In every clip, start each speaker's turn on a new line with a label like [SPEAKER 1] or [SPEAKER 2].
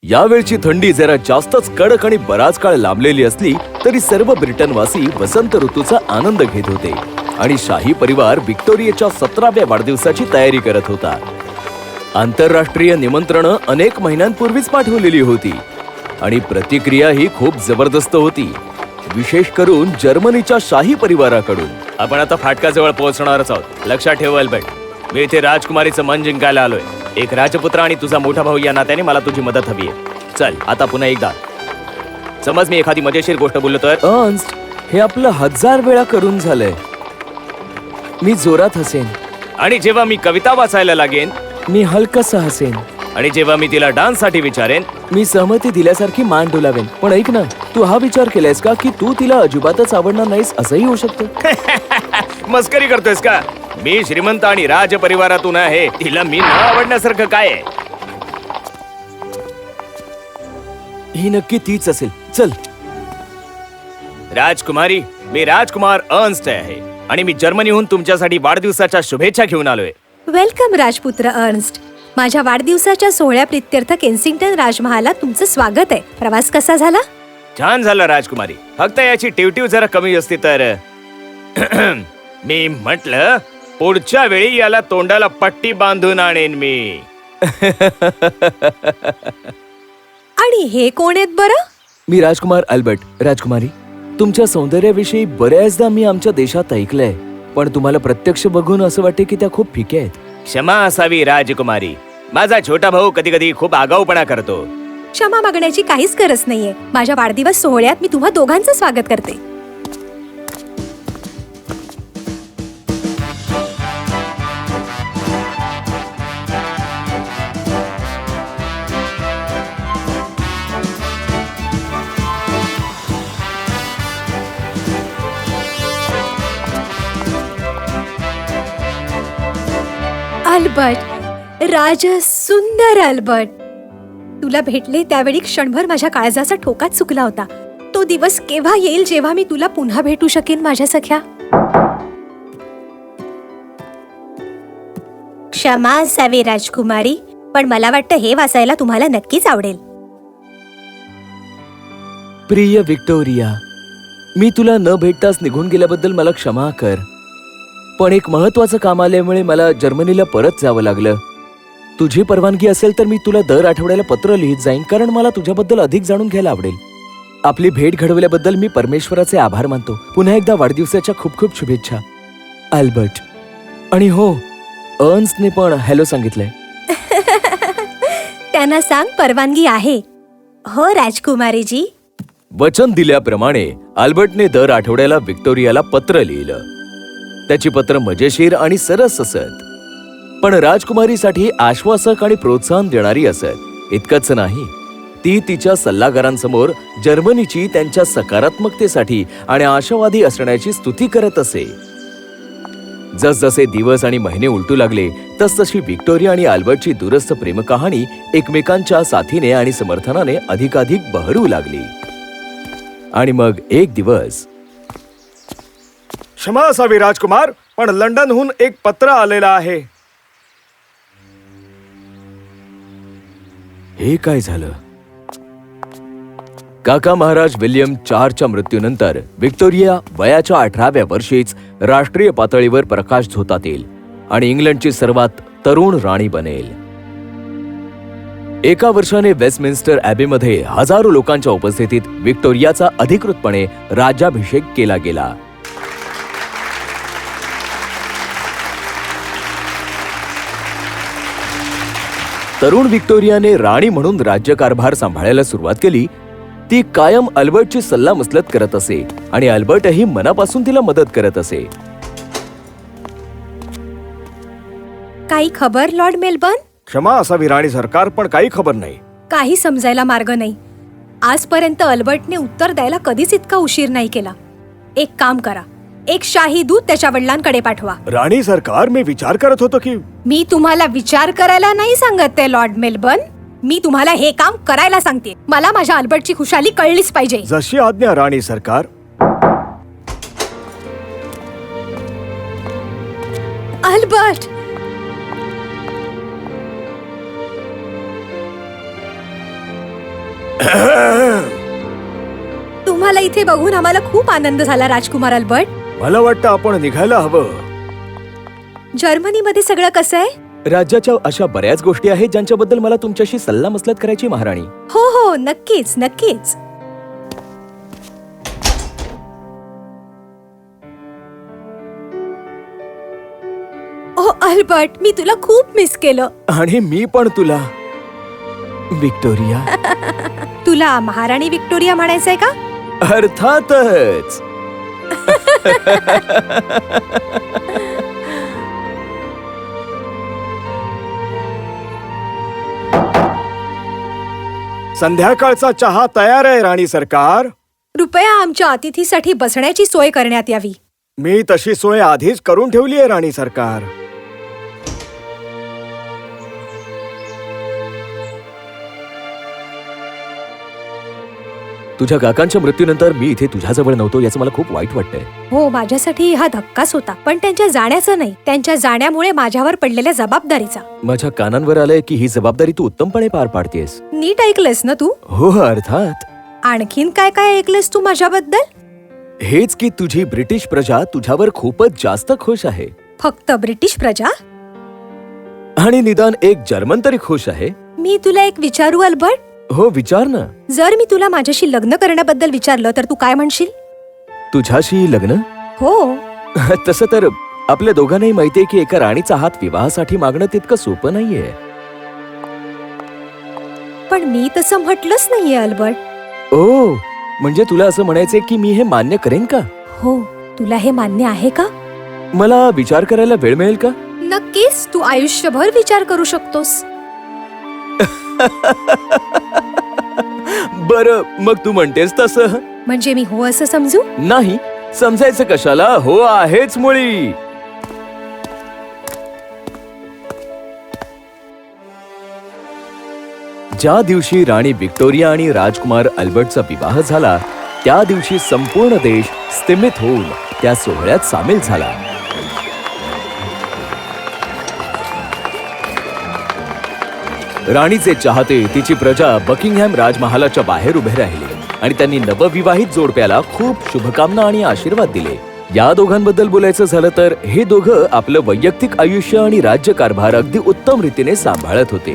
[SPEAKER 1] यावेळची थंडी जरा जास्तच कडक आणि बराच काळ लांबलेली असली तरी सर्व ब्रिटनवासी वसंत ऋतूचा आनंद घेत होते आणि शाही परिवार व्हिक्टोरियाच्या 17व्या वाढदिवसाची तयारी करत होता. आंतरराष्ट्रीय निमंत्रणं अनेक महिन्यांपूर्वीच पाठवलेली होती आणि प्रतिक्रिया ही खूप जबरदस्त होती, विशेष करून जर्मनीच्या शाही परिवाराकडून. आपण आता फाटकाजवळ पोहोचणारच आहोत. लक्षात ठेव अल्बर्ट, मी इथे राजकुमारीचं मन जिंकायला आलोय. एक राजपुत्र आणि तुझा मोठा भाऊ या नात्याने मला तुझी मदत हवी आहे. चल आता पुन्हा एकदा. समज मी एखादी मजेशीर गोष्ट बोललो तर. अर्न्स्ट, हे आपलं 1000 वेळा करून झालंय. मी जोरात हसेन. आणि जेव्हा मी कविता वाचायला लागेन मी हलकसं हसेन. आणि जेव्हा मी तिला डान्स साठी विचारेन मी सहमती दिल्यासारखी मान डोलावेन. पण ऐक ना, तू हा विचार केलायस का की तू तिला अजिबातच आवडणार नाहीस असंही होऊ शकतं? मस्करी करतोयस का? मी श्रीमंत आणि राज परिवारातून आहे. तिला मी न आवडण्यासारखं काय आहे? ही नक्की तीच असेल. चल. राजकुमारी, मी राजकुमार अर्न्स्ट आहे आणि मी जर्मनीहून तुमच्यासाठी वाढदिवसाच्या शुभेच्छा घेऊन आलोय.
[SPEAKER 2] वेलकम राजपुत्र अर्न्स्ट. माझ्या वाढदिवसाच्या सोहळ्याप्रित्यर्थ केन्सिंग्टन राजमहालात तुमचं स्वागत आहे. प्रवास कसा झाला?
[SPEAKER 1] छान झाला राजकुमारी. फक्त याची टिवटिव जरा कमी असती तर. मी म्हटलं पुढच्या वेळी याला तोंडाला पट्टी बांधून आणेन मी.
[SPEAKER 2] आणि हे कोण आहेत बरं?
[SPEAKER 1] मी राजकुमार अल्बर्ट. राजकुमारी, तुमच्या सौंदर्याविषयी बऱ्याचदा मी आमच्या देशात ऐकलंय, पण तुम्हाला प्रत्यक्ष बघून असं वाटते की त्या खूप फिक्या आहेत. क्षमा असावी राजकुमारी. माझा छोटा भाऊ कधी कधी खूप आगाऊपणा करतो.
[SPEAKER 2] क्षमा मागण्याची काहीच गरज नाहीये. माझ्या वाढदिवस सोहळ्यात मी तुम्हा दोघांचं स्वागत करते. अल्बर्ट, राज सुंदर अल्बर्ट, तुला भेटले त्यावेळी क्षणभर माझ्या काळजाचा ठोकाच चुकला होता. तो दिवस केव्हा येईल जेव्हा मी तुला पुन्हा भेटू शकेन माझ्या सख्या? क्षमा असावी राजकुमारी, पण मला वाटतं हे वाचायला तुम्हाला नक्कीच आवडेल.
[SPEAKER 1] प्रिय व्हिक्टोरिया, मी तुला न भेटताच निघून गेल्याबद्दल मला क्षमा कर. पण एक महत्वाचं काम आल्यामुळे मला जर्मनीला परत जावं लागलं. तुझी परवानगी असेल तर मी तुला दर आठवड्याला पत्र लिहित जाईन, कारण मला तुझ्याबद्दल अधिक जाणून घ्यायला आवडेल. आपली भेट घडवल्याबद्दल मी परमेश्वराचे आभार मानतो. पुन्हा एकदा वाढदिवसाच्या खूप खूप शुभेच्छा अल्बर्ट. आणि हो, अर्न्स्टने पण हॅलो सांगितलंय.
[SPEAKER 2] त्यांना सांग परवानगी आहे. हो राजकुमारीजी.
[SPEAKER 1] वचन दिल्याप्रमाणे अल्बर्टने दर आठवड्याला व्हिक्टोरियाला पत्र लिहिलं. त्याची पत्र मजेशीर आणि सरस असत, पण राजकुमारीसाठी आश्वासक आणि प्रोत्साहन देणारी असत. इतकंच नाही, ती तिच्या सल्लागारांसमोर जर्मनीची त्यांच्या सकारात्मकतेसाठी आणि आशावादी असण्याची स्तुती करत असे. जसजसे दिवस आणि महिने उलटू लागले तसतशी व्हिक्टोरिया आणि अल्बर्टची दूरस्थ प्रेमकहाणी एकमेकांच्या साथीने आणि समर्थनाने अधिकाधिक बहरू लागली. आणि मग एक दिवस.
[SPEAKER 3] क्षमा असावी राजकुमार, पण लंडनहून एक पत्र आलेलं आहे.
[SPEAKER 1] हे काय झालं? काका महाराज विल्यम 4च्या मृत्यूनंतर व्हिक्टोरिया वयाच्या 18व्या वर्षीच राष्ट्रीय पातळीवर प्रकाश झोतात येईल आणि इंग्लंडची सर्वात तरुण राणी बनेल. एका वर्षाने वेस्टमिन्स्टर ॲबेमध्ये हजारो लोकांच्या उपस्थितीत व्हिक्टोरियाचा अधिकृतपणे राज्याभिषेक केला गेला. तरुण व्हिक्टोरियाने राणी म्हणून राज्यकारभार सांभाळायला सुरुवात केली. ती कायम अल्बर्टची सल्लामसलत करत असे आणि अल्बर्टही मनापासून तिला मदत करत असे.
[SPEAKER 2] काही खबर लॉर्ड मेलबर्न?
[SPEAKER 3] क्षमा असावी राणी सरकार, पण काही खबर नाही.
[SPEAKER 2] काही समजायला मार्ग नाही. आजपर्यंत अल्बर्टने उत्तर द्यायला कधीच इतका उशीर नाही केला. एक काम करा, एक शाही दूत त्याच्या वडिलांकडे पाठवा.
[SPEAKER 3] राणी सरकार, मी विचार करत होतो की.
[SPEAKER 2] मी तुम्हाला विचार करायला नाही सांगत ते लॉर्ड मेलबर्न, मी तुम्हाला हे काम करायला सांगते. मला माझ्या अल्बर्टची खुशाली कळलीच पाहिजे.
[SPEAKER 3] जशी आज्ञा राणी सरकार.
[SPEAKER 2] अल्बर्ट, तुम्हाला इथे बघून आम्हाला खूप आनंद झाला राजकुमार अल्बर्ट.
[SPEAKER 3] मला वाटतं आपण निघायला हवं.
[SPEAKER 2] जर्मनीमध्ये सगळं कसं आहे?
[SPEAKER 1] राज्याच्या अशा बऱ्याच गोष्टी आहेत ज्यांच्याबद्दल मला तुमच्याशी सल्लामसलत करायची महाराणी.
[SPEAKER 2] हो हो, नक्कीच नक्कीच. ओ अल्बर्ट, मी तुला खूप मिस केलं.
[SPEAKER 1] आणि मी पण तुला. विक्टोरिया.
[SPEAKER 2] तुला महाराणी विक्टोरिया म्हणायचंय का?
[SPEAKER 1] अर्थातच.
[SPEAKER 3] संध्याकाळचा चहा तयार आहे राणी सरकार.
[SPEAKER 2] कृपया आमच्या अतिथीसाठी बसण्याची सोय करण्यात यावी.
[SPEAKER 3] मी तशी सोय आधीच करून ठेवली आहे राणी सरकार.
[SPEAKER 1] तुझ्या काकांच्या मृत्यूनंतर मी इथे तुझ्याजवळ नव्हतो याचं मला खूप वाईट वाटतंय.
[SPEAKER 2] हो, माझ्यासाठी हा धक्काच होता, पण त्यांच्या जाण्याचा नाही, त्यांच्या जाण्यामुळे माझ्यावर पडलेल्या जबाबदारीचा.
[SPEAKER 1] माझ्या कानांवर आलंय की ही जबाबदारी तू उत्तमपणे पार पाडतेस.
[SPEAKER 2] नीट ऐकलंस ना तू?
[SPEAKER 1] हो अर्थात.
[SPEAKER 2] आणखीन काय काय ऐकलंस तू माझ्याबद्दल?
[SPEAKER 1] हेच की तुझी ब्रिटिश प्रजा तुझ्यावर खूपच जास्त खुश आहे.
[SPEAKER 2] फक्त ब्रिटिश प्रजा?
[SPEAKER 1] आणि निदान एक जर्मन तरी खुश आहे.
[SPEAKER 2] मी तुला एक विचारू अल्बर्ट?
[SPEAKER 1] हो विचार ना.
[SPEAKER 2] जर मी तुला माझ्याशी लग्न करण्याबद्दल विचारलं तर तू काय म्हणशील?
[SPEAKER 1] तुझ्याशी लग्न?
[SPEAKER 2] हो.
[SPEAKER 1] तसं तर आपल्या दोघांनाही माहितीये की एका राणीचा हात विवाहासाठी मागणं तितकं सोपं नाहीये.
[SPEAKER 2] पण मी तसं म्हटलंच नाहीये अल्बर्ट.
[SPEAKER 1] ओ, म्हणजे तुला असं म्हणायचंय की मी हे मान्य करेन का?
[SPEAKER 2] हो, तुला हे मान्य आहे का?
[SPEAKER 1] मला विचार करायला वेळ मिळेल का?
[SPEAKER 2] नक्कीच, तू आयुष्यभर विचार करू शकतोस.
[SPEAKER 1] बरं, मग तू म्हणतेस तसं.
[SPEAKER 2] म्हणजे मी हो असं समजू?
[SPEAKER 1] नाही, समजायचं कशाला. हो आहेच मुळी. ज्या दिवशी राणी विक्टोरिया आणि राजकुमार अल्बर्टचा विवाह झाला त्या दिवशी संपूर्ण देश स्तिमित होऊन त्या सोहळ्यात सामील झाला. राणीचे चाहते, तिची प्रजा बकिंगहॅम राजमहालाच्या बाहेर उभे राहिले आणि त्यांनी नवविवाहित जोडप्याला खूप शुभकामना आणि आशीर्वाद दिले. या दोघांबद्दल बोलायचं झालं तर हे दोघं आपलं वैयक्तिक आयुष्य आणि राज्यकारभार अगदी उत्तम रीतीने सांभाळत होते.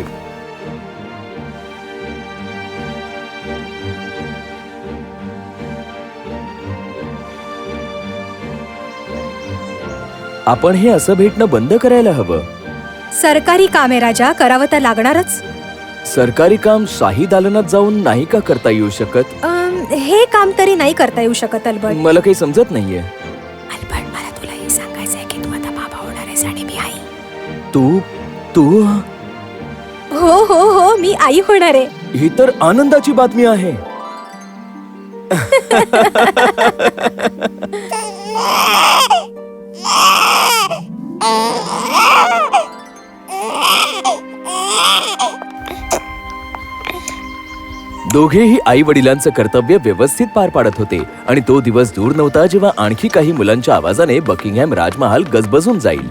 [SPEAKER 1] आपण हे असं भेटणं बंद करायला हवं.
[SPEAKER 2] सरकारी कामे राजा, करावं तर लागणारच.
[SPEAKER 1] सरकारी काम शाही दालनात जाऊन नाही का करता येऊ शकत?
[SPEAKER 2] हे काम तरी नाही करता येऊ शकत अल्बर्ट.
[SPEAKER 1] मला काही समजत नाहीये.
[SPEAKER 2] अल्बर्ट, मला तुला हे सांगायचंय की तू आता बाबा होणार आहेस आणि मी आई.
[SPEAKER 1] तू तू
[SPEAKER 2] हो हो हो, मी आई होणार आहे.
[SPEAKER 1] ही तर आनंदाची बातमी आहे. दोघेही आई वडिलांचं कर्तव्य व्यवस्थित पार पाडत होते आणि तो दिवस दूर नव्हता जेव्हा आणखी काही मुलांच्या आवाजाने बकिंगहॅम राजमहाल गजबजून जाईल.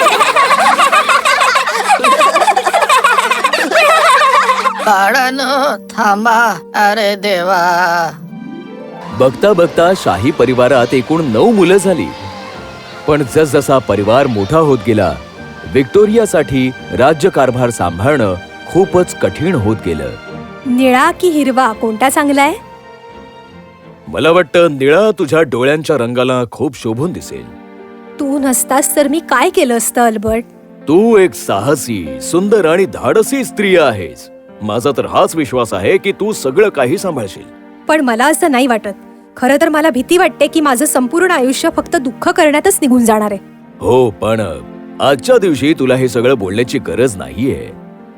[SPEAKER 4] बाळांनो थांबा, अरे देवा.
[SPEAKER 1] बघता बघता शाही परिवारात एकूण 9 मुलं झाली. पण जसजसा परिवार मोठा होत गेला विक्टोरियासाठी राज्यकारभार सांभाळणं खूपच कठीण होत गेलं.
[SPEAKER 2] निळा की हिरवा कोणता चांगला आहे?
[SPEAKER 1] मला वाटतं निळा तुझ्या डोळ्यांच्या रंगाला खूप शोभून दिसेल.
[SPEAKER 2] तू नसतास तर मी काय केलं असतं अल्बर्ट?
[SPEAKER 1] तू एक साहसी, सुंदर आणि धाडसी स्त्री आहेस. माझा तर हाच विश्वास आहे की तू सगळं काही सांभाळशील.
[SPEAKER 2] पण मला असं नाही वाटत. खरं तर मला भीती वाटते की माझं संपूर्ण आयुष्य फक्त दुःख करण्यातच निघून जाणार आहे.
[SPEAKER 1] हो, पण आजच्या दिवशी तुला हे सगळं बोलण्याची गरज नाहीये.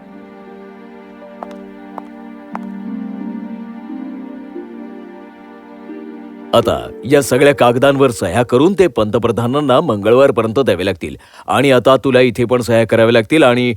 [SPEAKER 1] आता या सगळ्या कागदांवर सह्या करून ते पंतप्रधानांना मंगळवारपर्यंत द्यावे लागतील. आणि आता तुला इथे पण सह्या कराव्या लागतील. आणि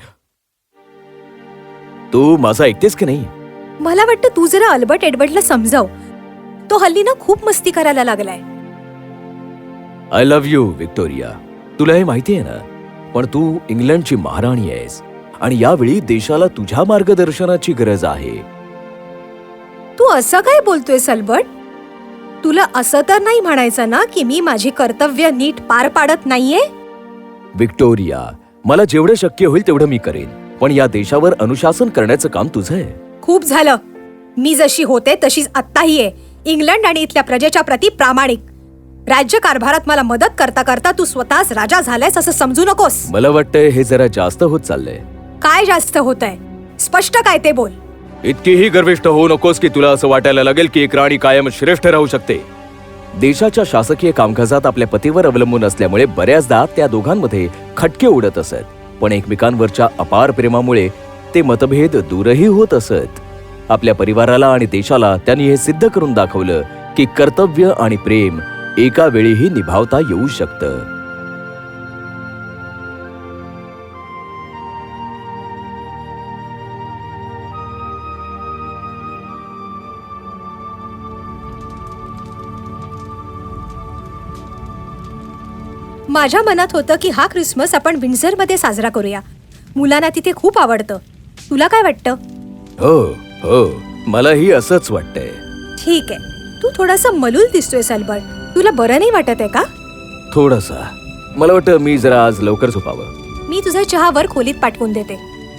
[SPEAKER 1] तू माझं ऐकतेस की नाही?
[SPEAKER 2] मला वाटतं तू जरा अल्बर्ट एडवर्डला समजाव. तो हल्ली ना खूप मस्ती करायला लागलाय.
[SPEAKER 1] I love you Victoria. तुला हे माहिती आहे ना, पण तू इंग्लंडची महाराणी आहेस आणि यावेळी देशाला तुझ्या मार्गदर्शनाची गरज आहे.
[SPEAKER 2] तू असं काय बोलतोयस अल्बर्ट? तुला असं तर नाही म्हणायचं ना की मी माझी कर्तव्य नीट पार पाडत नाहीये?
[SPEAKER 1] विक्टोरिया, मला जेवढं शक्य होईल तेवढं मी करेन, पण या देशावर अनुशासन करण्याचं काम तुझं आहे.
[SPEAKER 2] खूप झालं. मी जशी होते तशीच आत्ताही आहे. इंग्लंड आणि इथल्या प्रजेच्या प्रती प्रामाणिक. राज्यकारभारात मला मदत करता करता तू स्वतःच राजा झालायस असं समजू नकोस.
[SPEAKER 1] मला वाटतंय हे जरा जास्त होत चाललंय.
[SPEAKER 2] काय जास्त होतंय? स्पष्ट काय ते बोल.
[SPEAKER 1] इतकीही गर्विष्ठ होऊ नकोस की तुला असं वाटायला लागेल की एक राणी कायम श्रेष्ठ राहू शकते. देशाच्या शासकीय कामकाजात आपल्या पतीवर अवलंबून असल्यामुळे बऱ्याचदा त्या दोघांमध्ये खटके उडत असत, पण एकमेकांवरच्या अपार प्रेमामुळे ते मतभेद दूरही होत असत. आपल्या परिवाराला आणि देशाला त्यांनी हे सिद्ध करून दाखवलं की कर्तव्य आणि प्रेम एका वेळीही निभावता येऊ शकतं.
[SPEAKER 2] माझ्या मनात होतं की हा ख्रिसमस आपण विंडझरमध्ये साजरा करूया. मुलांना तिथे खूप आवडतं. तुला काय वाटतं?
[SPEAKER 1] हो हो, मलाही असंच वाटतंय.
[SPEAKER 2] ठीक आहे. तू थोडासा मलूल दिसतोय अल्बर्ट. तुला बरं नाही वाटत आहे का?
[SPEAKER 1] थोडासा. मला वाटतं मी जरा आज लवकर झोपावं.
[SPEAKER 2] मी तुझा चहा वर खोलीत पाठवून देते.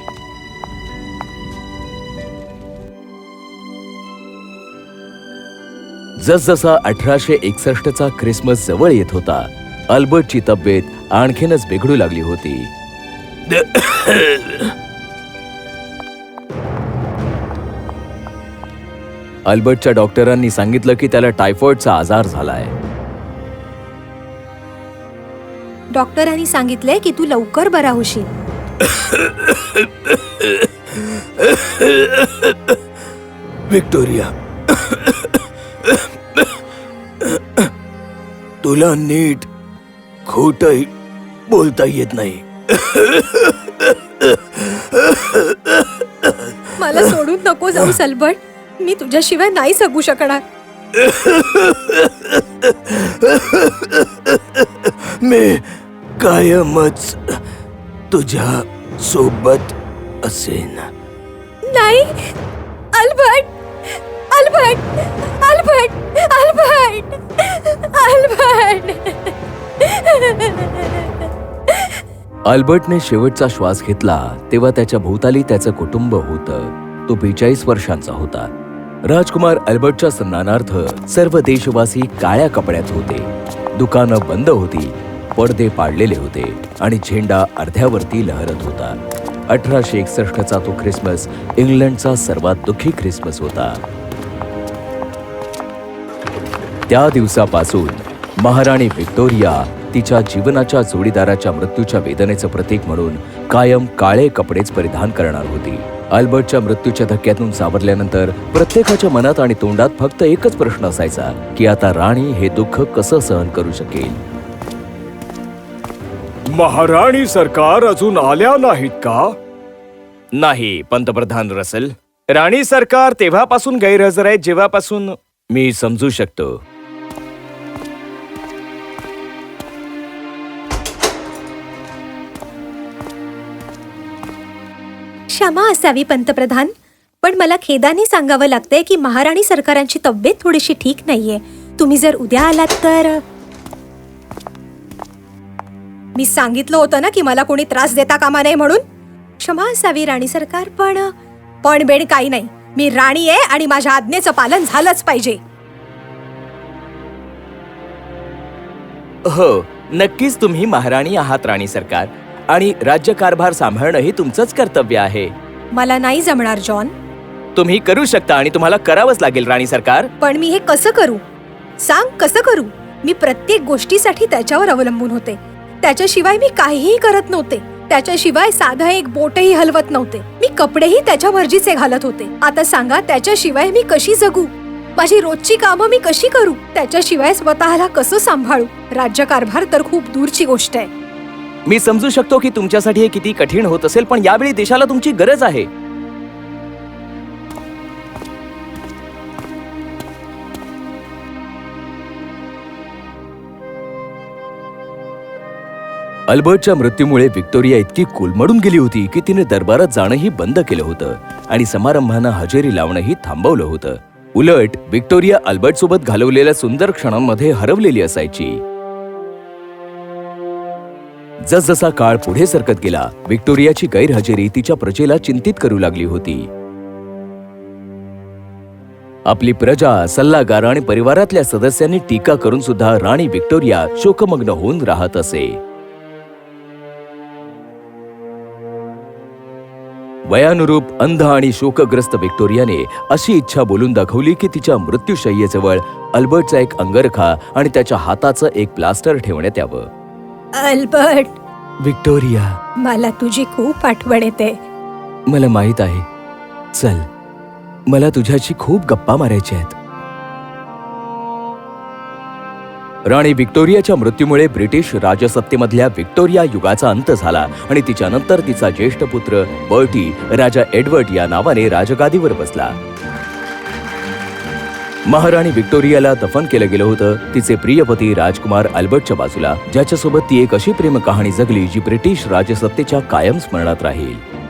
[SPEAKER 1] जसजसा 1861चा ख्रिसमस जवळ येत होता, अल्बर्टची तब्येत आणखीनच बिघडू लागली होती. अल्बर्टच्या डॉक्टरांनी सांगितलं की त्याला टायफॉइडचा आजार झालाय.
[SPEAKER 2] डॉक्टरांनी सांगितलंय की तू लवकर बरा होशील.
[SPEAKER 1] विक्टोरिया, तुला नीट खोटंही बोलता येत नाही.
[SPEAKER 2] मला सोडून नको जाऊस अल्बर्ट. मी तुझ्याशिवाय नाही जगू शकणार.
[SPEAKER 1] मी कायमच तुझ्या सोबत असेन.
[SPEAKER 2] नाही Albert, Albert, Albert, Albert, Albert.
[SPEAKER 1] अल्बर्टने शेवटचा श्वास घेतला तेव्हा त्याच्या भोवताली त्याचं कुटुंब होतं. तो 42 वर्षांचा होता. राजकुमार अल्बर्टच्या सन्मानार्थ सर्व देशवासी काळ्या कपड्यात होते. दुकानं बंद होती, पडदे पाडलेले होते आणि झेंडा अर्ध्यावरती लहरत होता. 1861चा तो ख्रिसमस इंग्लंडचा सर्वात दुःखी ख्रिसमस होता. त्या दिवसापासून महाराणी व्हिक्टोरिया तिच्या जीवनाच्या जोडीदाराच्या मृत्यूच्या वेदनेचं प्रतीक म्हणून कायम काळे कपडेच परिधान करणार होती. अल्बर्टच्या मृत्यूच्या धक्क्यातून सावरल्यानंतर प्रत्येकाच्या मनात आणि तोंडात फक्त एकच प्रश्न असायचा की आता राणी हे दुःख कसं सहन करू शकेल.
[SPEAKER 3] महाराणी सरकार अजून आल्या नाहीत का?
[SPEAKER 1] नाही पंतप्रधान रसल, राणी सरकार तेव्हापासून गैरहजर आहे जेव्हापासून मी समजू शकतो.
[SPEAKER 2] क्षमा असावी पंतप्रधान, पण मला खेदाने सांगावं लागतंय की महाराणी सरकारांची तब्येत थोडीशी ठीक नाहीये. तुम्ही जर उद्या आलात तर. मी सांगितलं होतं ना की मला कोणी त्रास देता कामा नये म्हणून. क्षमा असावी राणी सरकार, पण बेड काही नाही. मी राणी आहे आणि माझ्या आज्ञेचं पालन झालंच पाहिजे.
[SPEAKER 1] हो, नक्कीच तुम्ही महाराणी आहात राणी सरकार, आणि राज्यकारभार सांभाळणं हे तुमचंच कर्तव्य आहे.
[SPEAKER 2] मला नाही जमणार जॉन.
[SPEAKER 1] तुम्ही करू शकता आणि तुम्हाला करावंच लागेल राणी सरकार.
[SPEAKER 2] पण मी हे कसं करू? सांग, कसं करू? मी प्रत्येक गोष्टीसाठी त्याच्यावर अवलंबून होते. त्याच्याशिवाय मी काहीही करत नव्हते. त्याच्याशिवाय साधं एक बोटही हलवत नव्हते. मी कपडेही त्याच्या मर्जीचे घालत होते. आता सांगा, त्याच्याशिवाय मी कशी जगू? माझी रोजची कामं मी कशी करू? त्याच्याशिवाय स्वतःला कसं सांभाळू? राज्यकारभार तर खूप दूरची गोष्ट आहे.
[SPEAKER 1] मी समजू शकतो की तुमच्यासाठी हे किती कठीण होत असेल, पण यावेळी देशाला तुमची गरज आहे. अल्बर्टच्या मृत्यूमुळे व्हिक्टोरिया इतकी कोलमडून गेली होती की तिने दरबारात जाणंही बंद केलं होतं आणि समारंभांना हजेरी लावणंही थांबवलं होतं. उलट व्हिक्टोरिया अल्बर्ट सोबत घालवलेल्या सुंदर क्षणांमध्ये हरवलेली असायची. जसजसा काळ पुढे सरकत गेला, व्हिक्टोरियाची गैरहजेरी तिच्या प्रजेला चिंतित करू लागली होती. आपली प्रजा, सल्लागार आणि परिवारातल्या सदस्यांनी टीका करून सुद्धा राणी व्हिक्टोरिया शोकमग्न होऊन राहत असे. वयानुरूप अंध आणि शोकग्रस्त व्हिक्टोरियाने अशी इच्छा बोलून दाखवली की तिच्या मृत्यूशय्येजवळ अल्बर्टचा एक अंगरखा आणि त्याच्या हाताचं एक प्लास्टर ठेवण्यात यावं.
[SPEAKER 2] अल्बर्ट,
[SPEAKER 1] व्हिक्टोरिया,
[SPEAKER 2] मला तुझी खूप आठवण येते.
[SPEAKER 1] मला माहित आहे. चल, मला तुझ्याशी खूप गप्पा मारायच्या आहेत. राणी व्हिक्टोरियाच्या मृत्यूमुळे ब्रिटिश राजसत्तेमधल्या व्हिक्टोरिया युगाचा अंत झाला आणि तिच्यानंतर तिचा ज्येष्ठ पुत्र बर्टी राजा एडवर्ड या नावाने राजगादीवर बसला. महाराणी व्हिक्टोरियाला दफन केलं गेलं होतं तिचे प्रियपती राजकुमार अल्बर्टच्या बाजूला, ज्याच्यासोबत ती एक अशी प्रेम कहाणी जगली जी ब्रिटिश राजसत्तेच्या कायम स्मरणात राहील.